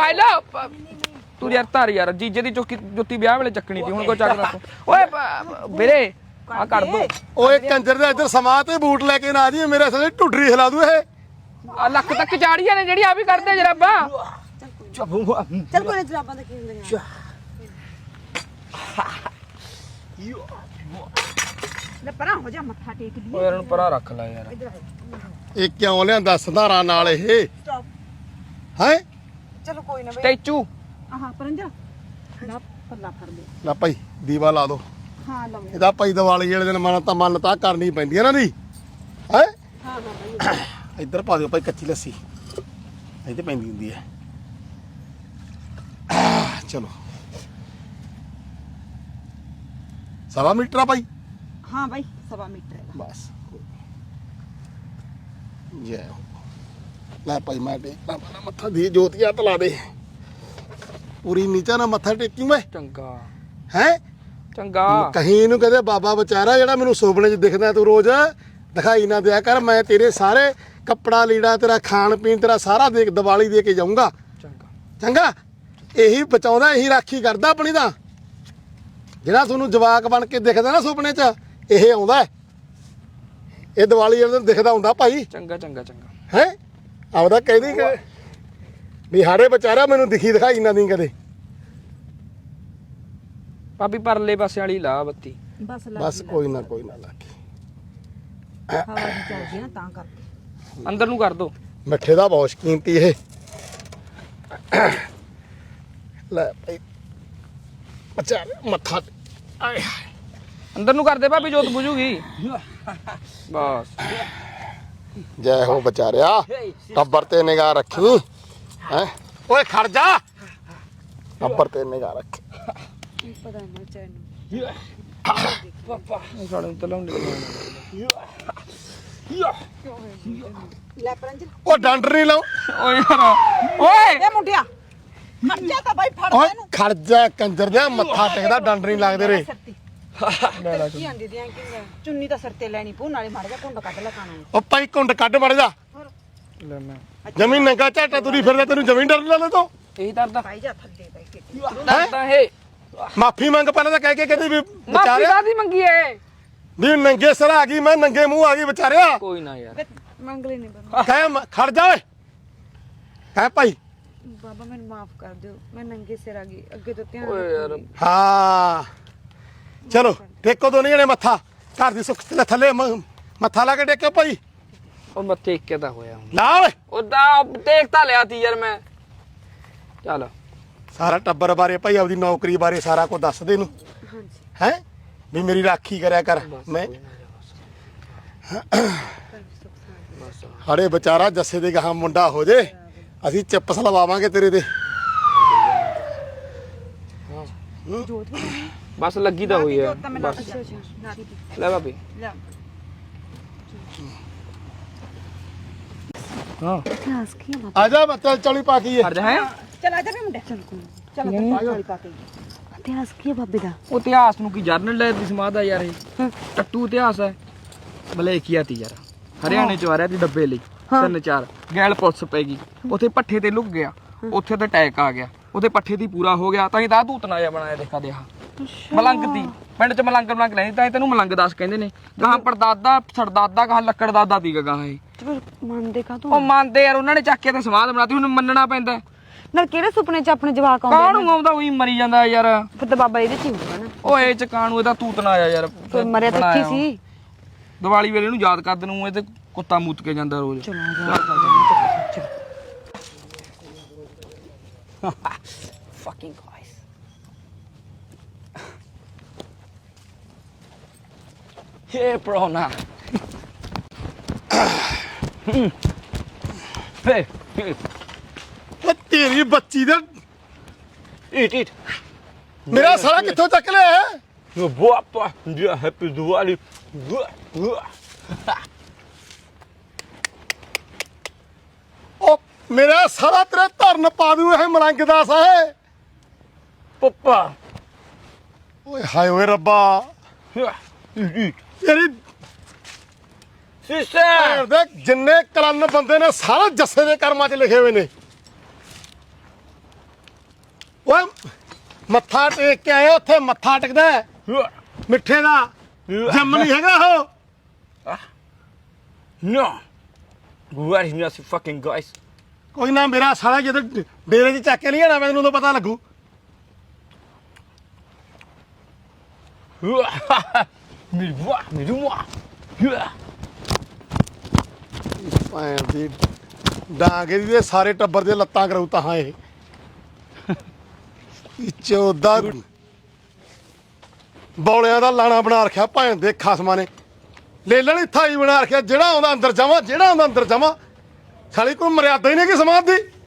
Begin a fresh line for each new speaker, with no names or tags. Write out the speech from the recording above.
ਲਾ ਤੂੰ ਯਾਰ ਧਰ ਯਾਰ ਜੀਜੇ ਦੀ ਜੁੱਤੀ ਵਿਆਹ ਵੇਲੇ ਚੱਕਣੀ ਸੀ ਹੁਣ ਕੋਈ ਚੱਕਦਾ ਤੂੰ ਓਏ ਵੀਰੇ ਆ ਕਰ ਦੋ
ਓਏ ਕੰਜਰ ਦੇ ਇੱਧਰ ਸਮਾਂ ਤੇ ਬੂਟ ਲੈ ਕੇ ਨਾ ਜੀ ਮੇਰੇ ਸਾਲੇ ਢੁੱਡਰੀ ਹਿਲਾ ਦੂ ਇਹ
ਲੱਕ ਤੱਕ ਚਾੜੀਆਂ ਨੇ ਜਿਹੜੀ ਆ ਵੀ ਕਰਦੇ ਜਰਾਬਾਂ
ਚੱਲ ਕੋਈ ਨਾ ਜਰਾਬਾਂ ਤਾਂ ਕੀ ਹੁੰਦੀਆਂ ਲੈ ਪਰਾਂ ਹੋ ਜਾ ਮੱਥਾ ਟੇਕ ਲਈ
ਓਏ ਇਹਨੂੰ ਪਰਾਂ ਰੱਖ ਲੈ ਯਾਰ
ਇਹ ਕਿਉਂ ਲਿਆਂਦਾ ਸੰਧਾਰਾ ਨਾਲ ਇਹ
ਸਟਾਪ
ਹੈ
ਚਲੋ ਕੋਈ ਨਾ ਬਈ
ਟੈਚੂ
ਆਹ ਪਰੰਜਾ ਨਾ ਪੱਲਾ ਫੜ ਲੈ
ਲੈ ਭਾਈ ਦੀਵਾ ਲਾ ਦੋ
ਹਾਂ ਲਓ
ਇਹਦਾ ਭਾਈ ਦੀਵਾਲੀ ਵਾਲੇ ਦਿਨ ਮੰਨਤਾ ਕਰਨੀ ਪੈਂਦੀ ਹੈ ਨਾ ਦੀ ਹੈ
ਹਾਂ ਬਈ
ਇੱਧਰ ਪਾ ਦਿਓ ਭਾਈ ਕੱਚੀ ਲੱਸੀ ਇੱਥੇ ਪੈਂਦੀ ਹੁੰਦੀ ਹੈ ਚਲੋ 1.5 ਮੀਟਰ ਆ ਭਾਈ
ਹਾਂ ਬਾਈ 1.5 ਮੀਟਰ ਹੈ
ਬਸ ਜੈ ਹੋ ਲੈ ਭਾਈ ਮੈਂ ਟੇਕਦਾ ਪਹਿਲਾਂ ਮੱਥਾ ਦੀ ਜੋਤੀਆ ਤਲਾ ਦੇ ਪੂਰੀ ਨੀਚਾ ਨਾ ਮੱਥਾ ਟੇਕੀ ਮੈਂ
ਚੰਗਾ
ਹੈ
ਚੰਗਾ
ਕਹੀਂ ਨੂੰ ਕਹਦੇ ਬਾਬਾ ਵਿਚਾਰਾ ਜਿਹੜਾ ਮੈਨੂੰ ਸੁਪਨੇ 'ਚ ਦਿਖਦਾ ਤੂੰ ਰੋਜ਼ ਦਿਖਾਈ ਨਾ ਦਿਆ ਕਰ ਮੈਂ ਤੇਰੇ ਸਾਰੇ ਕੱਪੜਾ ਲੀੜਾ ਤੇਰਾ ਖਾਣ ਪੀਣ ਤੇਰਾ ਸਾਰਾ ਦੇਖ ਦੀਵਾਲੀ ਦੇ ਕੇ ਜਾਊਂਗਾ
ਚੰਗਾ
ਚੰਗਾ ਇਹੀ ਬਚਾਉਂਦਾ ਇਹੀ ਰਾਖੀ ਕਰਦਾ ਆਪਣੀ ਦਾ ਜਿਹੜਾ ਤੁਹਾਨੂੰ ਜਵਾਕ ਬਣ ਕੇ ਦਿਖਦਾ ਨਾ ਸੁਪਨੇ 'ਚ ਇਹ ਆਉਂਦਾ ਇਹ ਦੀਵਾਲੀ ਵਾਲੇ ਦਿਨ ਦਿਖਦਾ ਹੁੰਦਾ ਭਾਈ
ਚੰਗਾ ਚੰਗਾ ਚੰਗਾ
ਹੈ ਆਪਦਾ ਕਹਿੰਦੀ ਕਿ ਵੀ ਹਾੜੇ ਵਿਚਾਰਾ ਮੈਨੂੰ ਦਿਖੀ ਦਿਖਾਈ ਨਾ ਦੀ ਕਦੇ
ਭਾਬੀ ਪਰਲੇ ਪਾਸੇ ਵਾਲੀ ਲਾ ਬੱਤੀ
ਬਸ ਲੱਗ
ਬਸ ਕੋਈ ਨਾ ਲੱਗੇ
ਹਵਾ ਦੀ ਚੱਲਦੀ ਨਾ ਤਾਂ ਕਰਕੇ
ਅੰਦਰ ਨੂੰ ਕਰ ਦੋ
ਮਿੱਠੇ ਦਾ ਬਹੁਤ ਕੀਮਤੀ ਇਹ ਲੈ ਭਾਈ ਅੱਛਾ ਮੱਥਾ ਆਏ
ਅੰਦਰ ਨੂੰ ਕਰ ਦੇ ਭਾਬੀ ਜੋਤ ਬੁਝੂਗੀ ਬਸ
ਜੈ ਹੋ ਵਿਚਾਰਿਆ ਟੱਬਰ ਤੇ ਨਿਗਾਹ ਰੱਖੀ ਹੈ ਓਏ ਖੜ ਜਾ ਟੱਬਰ ਤੇ ਨਿਗਾਹ ਰੱਖੀ
ਪਤਾ ਨਹੀਂ ਚੈਨੂੰ
ਸਾਡੇ ਨੂੰ ਤਲਾਉਂਦੇ
ਲੈ ਪਰੰਜ
ਉਹ ਡੰਡ ਨਹੀਂ ਲਾਓ
ਓਏ ਯਾਰ ਓਏ
ਇਹ ਮੁੰਡਿਆ ਖੜ ਜਾ ਤਾਂ ਬਾਈ ਫੜ
ਓਏ
ਇਹਨੂੰ
ਖੜ ਜਾ ਕੰਜਰ ਦੇ ਮੱਥਾ ਟੇਕਦਾ ਡੰਡ ਨਹੀਂ ਲੱਗਦੇ ਰੇ
ਕੀ ਆਂਦੀ ਦੀਆਂ ਕਿ ਚੁੰਨੀ ਤਾਂ ਸਿਰ ਤੇ ਲੈਣੀ ਪੂ ਨਾਲੇ ਮਾਰ ਜਾ ਕੁੰਡ ਕੱਢ ਲੈ ਕਾਣਾ
ਉਹ ਭਾਈ ਕੁੰਡ ਕੱਢ ਮੜ ਜਾ
ਲੈ ਮੈਂ
ਜ਼ਮੀਨ ਨੰਗਾ ਝਾਟਾ ਤੁਰੀ ਫਿਰਦਾ ਤੈਨੂੰ ਜ਼ਮੀਨ ਡਰ ਲੈਣਾ ਤੂੰ
ਇਹੀ ਦਰਦਾ
ਭਾਈ ਜਾ ਥੱਲੇ ਬੈ ਕੇ
ਦਰਦਾ ਹੈ
ਮਾਫੀ ਮੰਗ ਪਹਿਲਾਂ ਤਾਂ ਕਹਿ ਕੇ ਕਹਿੰਦੀ ਵੀ
ਮਾਫੀ
ਵਿਚਾਰਿਆ
ਕਾਦੀ ਮੰਗੀ ਏ
ਵੀ ਨੰਗੇ ਸਿਰ ਆ ਗਈ ਮੈਂ ਨੰਗੇ ਮੂੰਹ ਆ ਗਈ ਵਿਚਾਰਿਆ
ਕੋਈ ਨਾ ਯਾਰ
ਮੰਗ ਲੈ ਨਹੀਂ ਬਣਾ
ਕਹਿ ਖੜ ਜਾ ਓਏ ਕਹਿ ਭਾਈ
ਬਾਬਾ ਮੈਨੂੰ ਮਾਫ ਕਰ ਦਿਓ ਮੈਂ ਨੰਗੇ ਸਿਰ ਆ ਗਈ ਅੱਗੇ ਤੋਂ ਧਿਆਨ
ਓਏ ਯਾਰ
ਹਾਂ ਚਲੋ ਟੇਕੋ ਦੋਨੇ ਜਣੇ ਮੱਥਾ ਘਰ ਦੀ ਸੁੱਖ ਥੱਲੇ ਮੱਥਾ ਲਾ ਕੇ ਟੇਕੋ ਭਾਈ
ਉਹ ਮੱਥੇ ਇੱਕ ਦਾ ਹੋਇਆ ਹੁਣ
ਲਾ ਓਏ
ਉਹਦਾ ਦੇਖ ਤਾਂ ਲਿਆ ਤੀ ਯਾਰ ਮੈਂ ਚੱਲ
ਸਾਰਾ ਟੱਬਰ ਬਾਰੇ ਭਾਈ ਆਪਦੀ ਨੌਕਰੀ ਬਾਰੇ ਸਾਰਾ ਕੁਝ ਦੱਸ ਦੇ ਇਹਨੂੰ
ਹਾਂਜੀ
ਹੈ ਵੀ ਮੇਰੀ ਰਾਖੀ ਕਰਿਆ ਕਰ ਮੈਂ ਹਾੜੇ ਵਿਚਾਰਾ ਜੱਸੇ ਦੇ ਗਾਹਾਂ ਮੁੰਡਾ ਹੋ ਜੇ ਅਸੀਂ ਚਿੱਪਸ ਲਵਾਵਾਂਗੇ ਤੇਰੇ ਤੇ
ਜੋਤ
ਬਸ ਲੱਗੀ ਤਾਂ ਹੋਈ ਹੈ
ਤਾਂ ਮੈਂ
ਬਸ
ਨਾਤੀ
ਲੈ ਭਾਬੀ
ਲੈ
ਹਾਂ
ਇਤਿਹਾਸ ਕੀ ਹੈ
ਆ ਜਾ ਬੱਚਾ ਚੌਲੀ ਪਾ ਕੇ
ਕਰ ਜਾ ਹੈ
ਚਲ ਆ ਜਾ ਵੀ ਮੁੰਡੇ ਚਲ ਕੋਈ ਚਲ ਤਾਂ ਪਾ ਕੇ ਇਤਿਹਾਸ ਕੀ ਹੈ ਬਾਬੇ ਦਾ
ਉਹ ਇਤਿਹਾਸ ਨੂੰ ਕੀ ਜਰਨਲ ਲੈ ਦੀ ਸਮਾਦ ਆ ਯਾਰ ਇਹ ਟੱਟੂ ਇਤਿਹਾਸ ਹੈ ਮਲੇਕੀਆ ਤੀ ਯਾਰ ਹਰਿਆਣੇ ਚ ਆ ਰਿਹਾ ਤੀ ਡੱਬੇ ਲਈ 3-4 ਗੈਲ ਪੁਲਿਸ ਪੈ ਗਈ ਉੱਥੇ ਪੱਠੇ ਤੇ ਲੁਕ ਗਿਆ ਉੱਥੇ ਤੇ ਅਟੈਕ ਆ ਗਿਆ ਉਹਦੇ ਪੱਠੇ ਦੀ ਪੂਰਾ ਹੋ ਗਿਆ ਤਾਂ ਹੀ ਤਾਂ ਧੂਤਨਾ ਜਿਹਾ ਬਣਾਇਆ ਦੇਖਾ ਦੇ ਮਲੰਗ ਦੀ ਪਿੰਡ ਚ ਮਲੰਗ ਲੈਂਦੀ ਤਾਂ ਹੀ ਤੈਨੂੰ ਮਲੰਗ ਦਾਸ ਕਹਿੰਦੇ ਨੇ ਗਾਹਾਂ ਪੜਦਾਦਾ ਸਰਦਾਦਾ ਗਾਹਾਂ ਲੱਕੜ ਦਾਦਾ ਦੀ ਗਾਹਾਂ ਇਹ
ਮੰਨਦੇ ਕਾ
ਉਹ ਮੰਨਦੇ ਯਾਰ ਉਹਨਾਂ ਨੇ ਚੱਕ ਕੇ ਤੇ ਸਮਾਧ ਬਣਾਤੀ ਹੁਣ ਮੰਨਣਾ ਪੈਂਦਾ
ਨਾਲ ਕਿਹੜੇ ਸੁਪਨੇ ਚ ਆਪਣੇ ਜਵਾਕ ਆਉਂਦੇ
ਕਾਹਨੂੰ ਆਉਂਦਾ ਉਹੀ ਮਰੀ ਜਾਂਦਾ ਯਾਰ
ਫਿਰ ਤਾਂ ਬਾਬਾ ਇਹਦੇ ਚ ਹੀ ਹੋਊਗਾ ਨਾ
ਓਏ ਚ ਕਾਣੂ ਇਹਦਾ ਤੂਤਨਾ ਆਇਆ ਯਾਰ
ਫਿਰ ਮਰਿਆ ਤਾਂ ਇੱਥੇ ਸੀ
ਦੀਵਾਲੀ ਵੇਲੇ ਨੂੰ ਯਾਦ ਕਰਦੇ ਨੂੰ ਇਹ ਤੇ ਕੁੱਤਾ ਮੂਤ ਕੇ ਜਾਂਦਾ ਰੋਜ਼
ਚਲੋ
fucking guys hey bro na hey
ਉਹ ਤੇਰੀ ਬੱਚੀ ਦਾ
eat
ਮੇਰਾ ਸਾਲਾ ਕਿੱਥੋਂ ਚੱਕ ਲਿਆ ਹੈ
Boa, dia happy Diwali.
ਉਹ ਮੇਰਾ ਸਾਲਾ ਤੇਰੇ ਧਰਨ ਪਾ ਦੂ ਇਹ ਮਲੰਗ ਦਾ ਸਾਏ
Papa.
ਓਏ ਹਾਏ ਓਏ ਰੱਬਾ ਤੇਰੀ
Sister.
ਦੇ ਜਿੰਨੇ ਕਲਨ ਬੰਦੇ ਨੇ ਸਾਰੇ ਜੱਸੇ ਦੇ ਕਰਮਾਂ 'ਚ ਲਿਖੇ ਹੋਏ ਨੇ ਓਏ ਮੱਥਾ ਟੇਕ ਕੇ ਆਇਆ ਉੱਥੇ ਮੱਥਾ ਟਿਕਦਾ ਹੈ। ਮਿੱਠੇ ਦਾ ਜੰਮ ਨਹੀਂ ਹੈਗਾ ਉਹ।
No. Where is my fucking guys?
ਕੋਈ ਨਾ ਮੇਰਾ ਸਾਲਾ ਜਦੋਂ ਡੇਰੇ 'ਚ ਚੱਕ ਕੇ ਨਹੀਂ ਆਣਾ ਮੈਨੂੰ ਉਦੋਂ ਪਤਾ ਲੱਗੂ। ਭੈਣ ਦੀ ਡਾਂਗੇ ਦੀ ਸਾਰੇ ਟੱਬਰ ਦੇ ਲੱਤਾਂ ਕਰਾਉ ਤਾਂ ਇਹ ਚੌਦਾ ਬੌਲਿਆਂ ਦਾ ਲਾਣਾ ਬਣਾ ਰੱਖਿਆ ਭੈਣ ਦੇ ਖਸਮਾਂ ਨੇ। ਲੈ ਲੈਣੀ ਥਾਈ ਬਣਾ ਰੱਖਿਆ ਜਿਹੜਾ ਆਉਂਦਾ ਅੰਦਰ ਜਾਵਾਂ ਜਿਹੜਾ ਆਉਂਦਾ ਅੰਦਰ ਜਾਵਾਂ। ਸਾਲੀ ਕੋਈ ਮਰਿਆਦਾ ਹੀ ਨਹੀਂ ਕਿ ਸਮਾਜ ਦੀ।